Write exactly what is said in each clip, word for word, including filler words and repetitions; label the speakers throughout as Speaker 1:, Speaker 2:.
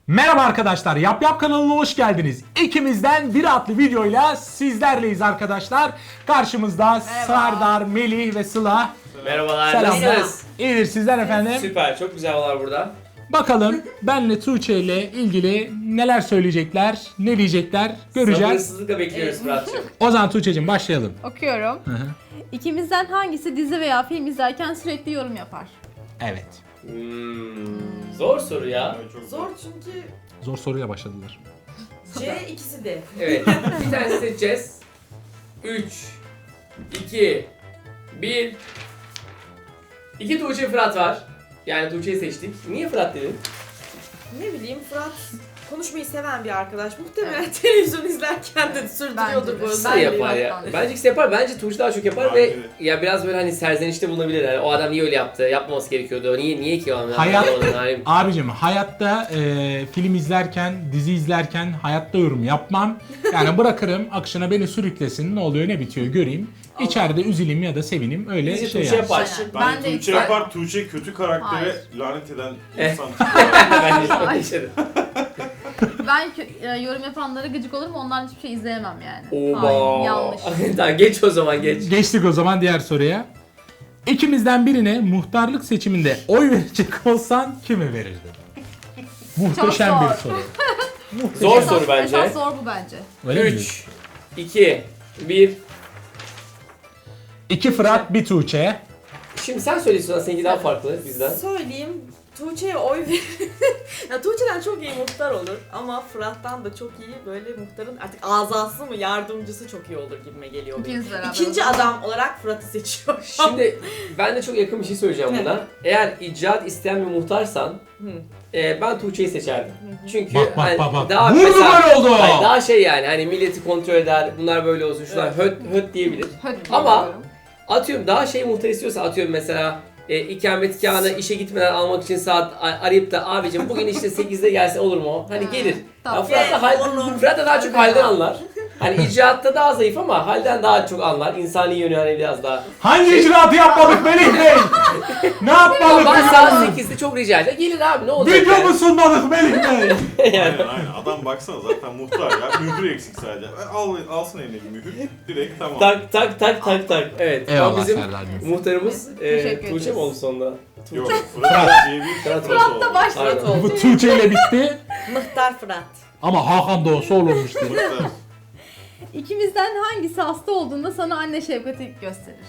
Speaker 1: Merhaba arkadaşlar, Yap Yap kanalına hoş geldiniz. İkimizden biri adlı videoyla sizlerleyiz arkadaşlar. Karşımızda Serdar, Melih ve Sıla.
Speaker 2: Merhabalar,
Speaker 1: Selamlar.
Speaker 2: nasılsınız?
Speaker 1: İyidir sizler efendim.
Speaker 2: Süper, çok güzel havalar burada.
Speaker 1: Bakalım benle Tuğçe ile ilgili neler söyleyecekler, ne diyecekler göreceğiz.
Speaker 2: Sabırsızlıkla bekliyoruz Fırat'cığım.
Speaker 1: O zaman Tuğçe'cim başlayalım.
Speaker 3: Okuyorum.
Speaker 1: Hı hı.
Speaker 3: İkimizden hangisi dizi veya film izlerken sürekli yorum yapar?
Speaker 1: Evet.
Speaker 2: Hmm, zor soru ya.
Speaker 4: Zor çünkü
Speaker 1: Zor soruyla başladılar.
Speaker 4: C ikisi de.
Speaker 2: Evet, bir tane seçeceğiz. üç, iki, bir. İki Tuğçe Fırat var. Yani Tuğçe'yi seçtik. Niye Fırat dedin?
Speaker 4: Ne bileyim Fırat konuşmayı seven bir arkadaş. Muhtemelen televizyon izlerken de sürdürüyordur
Speaker 3: Bence
Speaker 4: bu
Speaker 3: de.
Speaker 2: İkisi de
Speaker 4: özelliği.
Speaker 2: yapar ya.
Speaker 3: Fırat'tan.
Speaker 2: Bence ikisi yapar. Bence Tuğçe daha çok yapar
Speaker 5: Bence
Speaker 2: ve
Speaker 5: de.
Speaker 2: ya biraz böyle hani serzenişte bulunabilir. Yani o adam niye öyle yaptı? Yapmaması gerekiyordu. Niye niye ki o adam?
Speaker 1: Hayat-
Speaker 2: Yani
Speaker 1: Abicim hayatta e, film izlerken, dizi izlerken hayatta yorum yapmam. Yani bırakırım akışına beni sürüklesin, ne oluyor ne bitiyor göreyim. İçeride üzüleyim ya da sevinim öyle
Speaker 2: Bizi
Speaker 1: şey
Speaker 2: Tuğçe
Speaker 1: yani.
Speaker 2: yapar.
Speaker 3: Aynen.
Speaker 5: Ben,
Speaker 3: Ben de
Speaker 5: Tuğçe
Speaker 3: ikisi-
Speaker 5: yapar, Tuğçe kötü karaktere
Speaker 3: Hayır.
Speaker 5: lanet eden
Speaker 2: Eh.
Speaker 5: insan.
Speaker 2: ben de öyle yaşadım.
Speaker 3: Ben kö- e, yorum yapanlara gıcık olurum, onların hiçbir şey izleyemem yani.
Speaker 2: Oba.
Speaker 3: Hayır, yanlış.
Speaker 2: Tamam geç o zaman geç.
Speaker 1: Geçtik o zaman diğer soruya. İkimizden birine muhtarlık seçiminde oy verecek olsan kime verirdin? Muhteşem
Speaker 3: Çok
Speaker 1: bir
Speaker 3: zor.
Speaker 1: soru.
Speaker 2: Zor
Speaker 3: Esas-
Speaker 2: soru bence.
Speaker 3: Esas zor bu bence.
Speaker 1: Öyle mi diyorsun?
Speaker 2: üç, iki, bir.
Speaker 1: İki Fırat, bir Tuğçe.
Speaker 2: Şimdi sen söylüyorsun, seninki daha farklı bizden.
Speaker 4: Söyleyeyim Tuğçe'ye oy verir. Ya Tuğçe'den çok iyi muhtar olur ama Fırat'tan da çok iyi böyle muhtarın artık azası mı yardımcısı çok iyi olur gibime geliyor benim.
Speaker 3: İkiniz beraber.
Speaker 4: İkinci adam olarak Fırat'ı seçiyorum.
Speaker 2: Şimdi ben de çok yakın bir şey söyleyeceğim
Speaker 4: Ne?
Speaker 2: buna. Eğer icraat isteyen bir muhtarsan
Speaker 4: Hı.
Speaker 2: e, ben Tuğçe'yi seçerdim. Çünkü
Speaker 1: Bak, bak,
Speaker 2: hani
Speaker 1: bak, bak.
Speaker 2: daha
Speaker 1: Vurdu
Speaker 2: mesela-
Speaker 1: gol oldu.
Speaker 2: Hayır, daha şey yani hani milleti kontrol eder, bunlar böyle olsun, şunlar höt höt diyebilir.
Speaker 3: Höt
Speaker 2: Ama-
Speaker 3: diyorum.
Speaker 2: Atıyorum daha şey muhtar istiyorsa atıyorum mesela e, ikametgahını işe gitmeden almak için saat a- arayıp da abicim bugün işte sekizde gelse olur mu? Hani
Speaker 3: Ha,
Speaker 2: gelir. Ya
Speaker 3: tamam.
Speaker 2: Fırat da, hal,
Speaker 4: Olur.
Speaker 2: Fırat da daha çok halden anlar. Hani icraatta daha zayıf ama halden daha çok anlar. İnsani yönü hani biraz daha.
Speaker 1: Hangi icraatı yapmadık Melih Bey? Ne yapmadık?
Speaker 2: Ben
Speaker 1: ya?
Speaker 2: saat sekizde çok rica ederim. Gelir abi ne olacak
Speaker 1: Video mu sunmadık Melih Bey?
Speaker 5: aynen aynen. Adam baksana zaten muhtar ya. Mühür eksik sadece. E, Al, alsın eline bir mühür. Direkt tamam.
Speaker 2: Tak tak tak tak tak. Evet.
Speaker 1: Eyvallah
Speaker 2: Ama bizim
Speaker 1: Serdar'cığım.
Speaker 2: muhtarımız e,
Speaker 3: Teşekkür
Speaker 2: Tuğçe
Speaker 3: ederiz.
Speaker 2: mi oldu sonunda?
Speaker 5: Yok Fırat diye bir
Speaker 2: Fırat
Speaker 5: Fırat
Speaker 4: da
Speaker 5: oldu.
Speaker 4: başladı.
Speaker 2: Aynen.
Speaker 4: Fırat oldu.
Speaker 1: Bu Tuğçe ile bitti
Speaker 4: Muhtar Fırat.
Speaker 1: ama Hakan da olsa olurmuştu.
Speaker 5: Muhtar.
Speaker 3: İkimizden hangisi hasta olduğunda sana anne şefkati gösterir?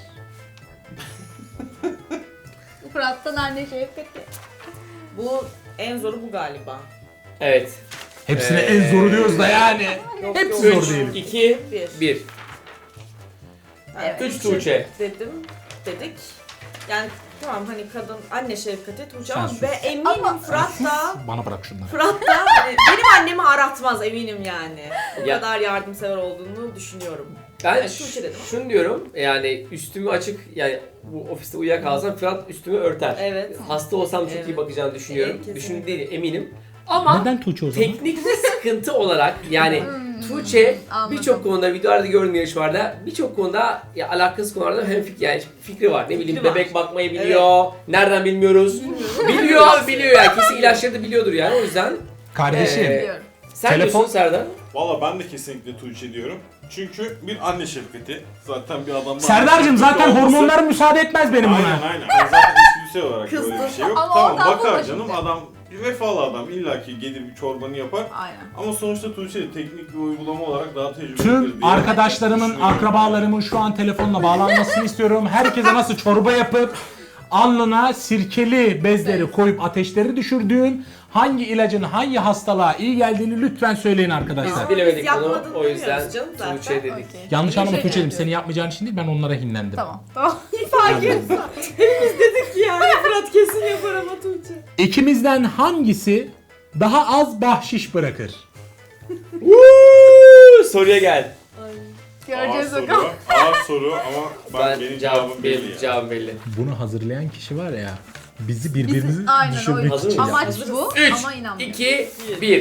Speaker 3: Fırat'tan anne şefkati.
Speaker 4: Bu en zoru bu galiba.
Speaker 2: Evet.
Speaker 1: Hepsine
Speaker 2: Ee,
Speaker 1: en zoru diyoruz da yani.
Speaker 4: Yok,
Speaker 1: Hepsi
Speaker 4: yok.
Speaker 1: zor değil.
Speaker 2: iki,
Speaker 4: Bir.
Speaker 2: bir.
Speaker 4: Evet.
Speaker 2: Üç Tuğçe.
Speaker 4: Dedim, dedik. Yani tamam hani kadın anne şefkati Tuğçe
Speaker 1: Sen
Speaker 4: ama
Speaker 1: sus.
Speaker 4: ve eminim
Speaker 3: Ama-
Speaker 4: Fırat da
Speaker 1: Bana bırak şunları.
Speaker 4: Fırat da hani benim annemi aratmaz eminim yani. Bu
Speaker 2: Ya-
Speaker 4: kadar yardımsever olduğunu düşünüyorum.
Speaker 2: Ben
Speaker 4: Evet, Tuğçe dedim.
Speaker 2: şunu diyorum yani üstümü açık yani bu ofiste uyuyakalsam Fırat üstümü örter.
Speaker 4: Evet.
Speaker 2: Hasta olsam çok
Speaker 4: Evet.
Speaker 2: iyi bakacağını düşünüyorum.
Speaker 4: Evet, kesinlikle.
Speaker 2: Düşündüğüm değil eminim. Ama
Speaker 1: Neden Tuğçe o zaman?
Speaker 2: teknik bir sıkıntı olarak yani
Speaker 3: Hmm,
Speaker 2: Tuğçe
Speaker 3: anladım.
Speaker 2: birçok konuda videolarda gördüğüm yarışmalarda birçok konuda ya alakasız konularda hem fikri, yani fikri var. Ne bileyim
Speaker 4: Fikri var.
Speaker 2: bebek bakmayı biliyor. Nereden bilmiyoruz. biliyor abi biliyor yani. Kesin ilaçları da biliyordur yani o yüzden.
Speaker 1: Kardeşim.
Speaker 2: Ee,
Speaker 3: Biliyorum.
Speaker 2: Sen
Speaker 1: Telefon-
Speaker 2: diyorsun Serdar.
Speaker 5: Valla ben de kesinlikle Tuğçe diyorum. Çünkü bir anne şefkati. Zaten bir adamda
Speaker 1: Serdar'cığım
Speaker 5: anne şefkati
Speaker 1: zaten
Speaker 5: olması-
Speaker 1: hormonlarım müsaade etmez benim
Speaker 5: Aynen
Speaker 1: buna.
Speaker 5: aynen. Yani zaten içgüdüsel olarak böyle bir
Speaker 4: Kızdı.
Speaker 5: şey yok.
Speaker 3: Ama
Speaker 5: Tamam
Speaker 3: ondan
Speaker 5: bakar
Speaker 3: bulma
Speaker 5: canım
Speaker 3: şimdi.
Speaker 5: adam bir vefalı adam illaki gelir bir çorbanı yapar.
Speaker 3: Aynen.
Speaker 5: Ama sonuçta Tuğçe de teknik bir uygulama olarak daha tecrübeli.
Speaker 1: Tüm arkadaşlarımın, akrabalarımın şu an telefonla bağlanmasını istiyorum. Herkese nasıl çorba yapıp alnına sirkeli bezleri koyup ateşleri düşürdüğüm hangi ilacın hangi hastalığa iyi geldiğini lütfen söyleyin arkadaşlar.
Speaker 4: Ama
Speaker 2: Bilemedik
Speaker 4: biz
Speaker 2: bunu
Speaker 4: yapmadığını
Speaker 2: o yüzden
Speaker 4: bilmiyoruz canım zaten.
Speaker 2: Tuğçe dedik.
Speaker 3: Okey.
Speaker 1: Yanlış anlama
Speaker 3: Teşekkür
Speaker 1: Tuğçe'cim
Speaker 3: ediyorum.
Speaker 1: seni yapmayacağın için değil ben onlara hinlendim.
Speaker 3: Tamam. Tamam.
Speaker 4: Fark etmez. Hepimiz dedik ki yani Fırat kesin yapar ama Tuğçe.
Speaker 1: İkimizden hangisi daha az bahşiş bırakır?
Speaker 2: Woo! Soruya gel.
Speaker 3: Göreceğiz
Speaker 5: Ağır
Speaker 3: bakalım.
Speaker 5: soru, ağır soru ama ben,
Speaker 2: Ben
Speaker 5: benim
Speaker 2: cevabım
Speaker 5: cevabım
Speaker 2: belli.
Speaker 5: belli ya.
Speaker 2: Cevabım belli.
Speaker 1: Bunu hazırlayan kişi var ya bizi birbirimizi
Speaker 3: Bizim, aynen
Speaker 1: düşürmek
Speaker 3: öyle.
Speaker 2: Hazır
Speaker 1: için
Speaker 2: mıyız?
Speaker 3: Amaç
Speaker 1: yapmış.
Speaker 3: bu
Speaker 2: üç,
Speaker 3: ama inanmıyorum.
Speaker 2: iki, bir.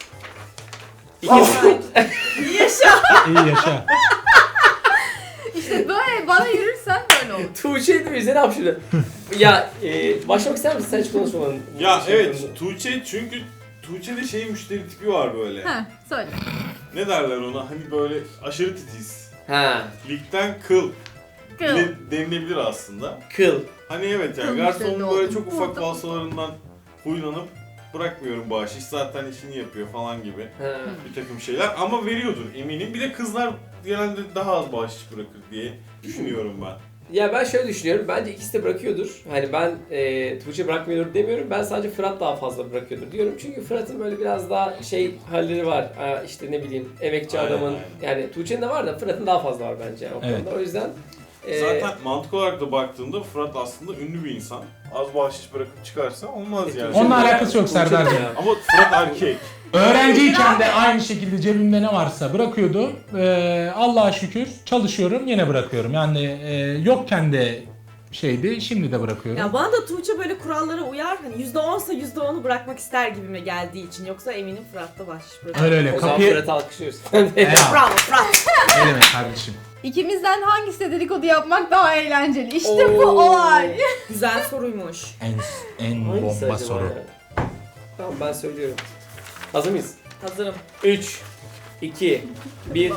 Speaker 4: Yaşa.
Speaker 1: İyi yaşa.
Speaker 3: İşte böyle bana yürürsen böyle olur.
Speaker 2: Tuğçe de bize ne yapıyor? ya e, başlamak ister misin? Sen hiç konuşmadın.
Speaker 5: Ya
Speaker 2: Şey
Speaker 5: evet
Speaker 2: yapalım.
Speaker 5: Tuğçe çünkü Tuğçe'de şey müşteri tipi var böyle.
Speaker 3: Heh, söyle.
Speaker 5: Ne derler ona? Hani böyle aşırı titiz.
Speaker 2: Ha,
Speaker 5: Ligden kıl.
Speaker 3: Kıl.
Speaker 5: Ne denilebilir aslında.
Speaker 2: kıl.
Speaker 5: Hani evet yani
Speaker 3: Kıl
Speaker 5: garsonun
Speaker 3: müşteri
Speaker 5: böyle
Speaker 3: oldum.
Speaker 5: çok ufak
Speaker 3: Burada.
Speaker 5: falsolarından huylanıp bırakmıyorum bahşiş zaten işini yapıyor falan gibi
Speaker 2: Ha.
Speaker 5: bir takım şeyler ama veriyordur eminim. Bir de kızlar genelde daha az bahşiş bırakır diye düşünüyorum ben.
Speaker 2: Ya ben şöyle düşünüyorum, bence ikisi de bırakıyordur. Hani ben e, Tuğçe bırakmıyordur demiyorum, ben sadece Fırat daha fazla bırakıyordur diyorum. Çünkü Fırat'ın böyle biraz daha şey halleri var, Aa, işte ne bileyim emekçi
Speaker 5: Aynen,
Speaker 2: adamın,
Speaker 5: aynen.
Speaker 2: yani Tuğçe'nin de var da Fırat'ın daha fazla var bence o
Speaker 1: Evet.
Speaker 2: konuda. O yüzden e,
Speaker 5: Zaten mantık olarak da baktığında Fırat aslında ünlü bir insan. Az bahşiş bırakıp çıkarsa olmaz yani.
Speaker 1: Onunla
Speaker 2: Tuğçe'nin
Speaker 1: alakası yok
Speaker 2: Tuğçe'nin
Speaker 1: Serdar Bey.
Speaker 2: ya.
Speaker 5: Ama Fırat erkek.
Speaker 1: Öğrenciyken de aynı şekilde cebimde ne varsa bırakıyordu. Ee, Allah'a şükür çalışıyorum yine bırakıyorum. Yani e, yokken de şeydi şimdi de bırakıyorum.
Speaker 4: Ya bana da Tuğçe böyle kurallara uyar. Hani yüzde onsa yüzde onu bırakmak ister gibime geldiği için. Yoksa eminim Fırat'ta bahşiş bırakır.
Speaker 1: Öyle öyle
Speaker 2: O zaman
Speaker 1: kapıyı...
Speaker 2: Fırat'ı alkışlıyoruz.
Speaker 1: Ya,
Speaker 4: Bravo Fırat.
Speaker 1: ne demek kardeşim?
Speaker 3: İkimizden hangisi dedikodu yapmak daha eğlenceli? İşte bu
Speaker 2: Oo.
Speaker 3: olay.
Speaker 4: Güzel soruymuş.
Speaker 1: En, en
Speaker 2: Hangisi
Speaker 1: bomba
Speaker 2: acaba
Speaker 1: soru.
Speaker 2: ya? Tamam ben söylüyorum. Hazır mıyız?
Speaker 4: Hazırım.
Speaker 2: üç, iki, bir.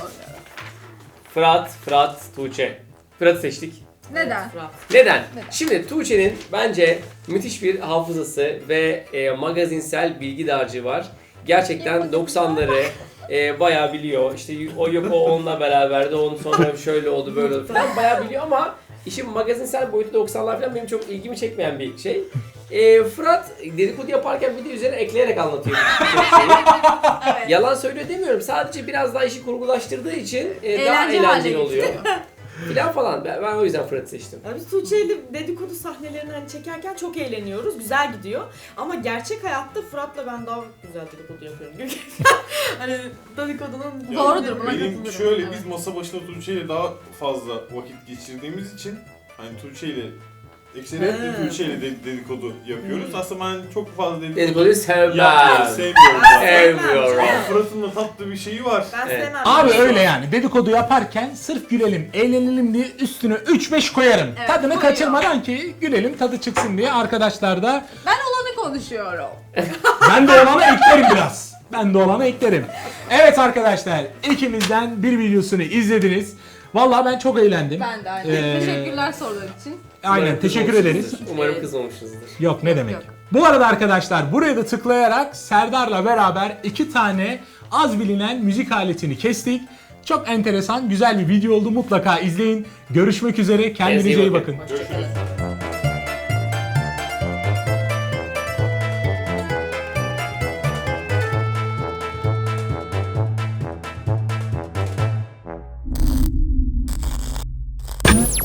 Speaker 2: Fırat, Fırat, Tuğçe. Fırat'ı seçtik.
Speaker 3: Neden?
Speaker 4: Fırat.
Speaker 2: Neden?
Speaker 3: Neden?
Speaker 2: Şimdi Tuğçe'nin bence müthiş bir hafızası ve e, magazinsel bilgi dağarcığı var. Gerçekten doksanları e, bayağı biliyor. İşte o yok o onunla beraberdi, onun sonra şöyle oldu böyle oldu falan bayağı biliyor ama işin magazinsel boyutu doksanlar falan benim çok ilgimi çekmeyen bir şey. E, Fırat dedikodu yaparken bir de üzerine ekleyerek anlatıyor. birçok şeyi.
Speaker 3: Evet.
Speaker 2: Yalan söylüyor demiyorum. Sadece biraz daha işi kurgulaştırdığı için e, daha
Speaker 3: Eğlence haline
Speaker 2: eğlenceli oluyor.
Speaker 3: getiriyor.
Speaker 2: Filan falan. Ben, ben o yüzden Fırat'ı seçtim.
Speaker 4: Ya biz Tuğçe'yle dedikodu sahnelerini hani çekerken çok eğleniyoruz. Güzel gidiyor. Ama gerçek hayatta Fırat'la ben daha güzel dedikodu yapıyorum. hani dedikodunun...
Speaker 3: Doğrudur, buna
Speaker 5: Benim
Speaker 3: katılıyorum.
Speaker 5: şöyle
Speaker 3: Evet.
Speaker 5: biz masa başında Tuğçe ile daha fazla vakit geçirdiğimiz için hani Tuğçe ile ekseriyetle
Speaker 4: Ha.
Speaker 5: Tuğçe ile de- dedikodu yapıyoruz. Aslında ben çok fazla dedikodu
Speaker 2: Dedikoduyu sevmem.
Speaker 5: yapmayı sevmiyorum.
Speaker 4: Ben
Speaker 5: zaten.
Speaker 2: Sevmiyorum.
Speaker 5: Ama Fırat'ın da tatlı bir şeyi var.
Speaker 4: Ben
Speaker 2: Evet.
Speaker 4: sevmem.
Speaker 1: Abi öyle yani dedikodu yaparken sırf gülelim, eğlenelim diye üstüne üç beş koyarım.
Speaker 3: Evet,
Speaker 1: Tadını
Speaker 3: koyuyor.
Speaker 1: kaçırmadan ki gülelim, tadı çıksın diye arkadaşlar da
Speaker 3: Ben olanı konuşuyorum.
Speaker 1: ben de olanı eklerim biraz. Ben de olanı eklerim. Evet arkadaşlar ikimizden bir videosunu izlediniz. Vallahi ben çok eğlendim.
Speaker 3: Ben de aynı.
Speaker 1: Ee,
Speaker 3: Teşekkürler sorular için.
Speaker 1: Aynen
Speaker 2: Umarım
Speaker 1: teşekkür
Speaker 2: kızmamışsınızdır.
Speaker 1: ederiz.
Speaker 2: Umarım
Speaker 3: Evet.
Speaker 2: kızmamışsınızdır.
Speaker 1: Yok ne demek.
Speaker 3: Yok.
Speaker 1: Bu arada arkadaşlar buraya da tıklayarak Serdar'la beraber iki tane az bilinen müzik aletini kestik. Çok enteresan, güzel bir video oldu. Mutlaka izleyin. Görüşmek üzere. Kendinize iyi bakın.
Speaker 2: Hoşçakalın.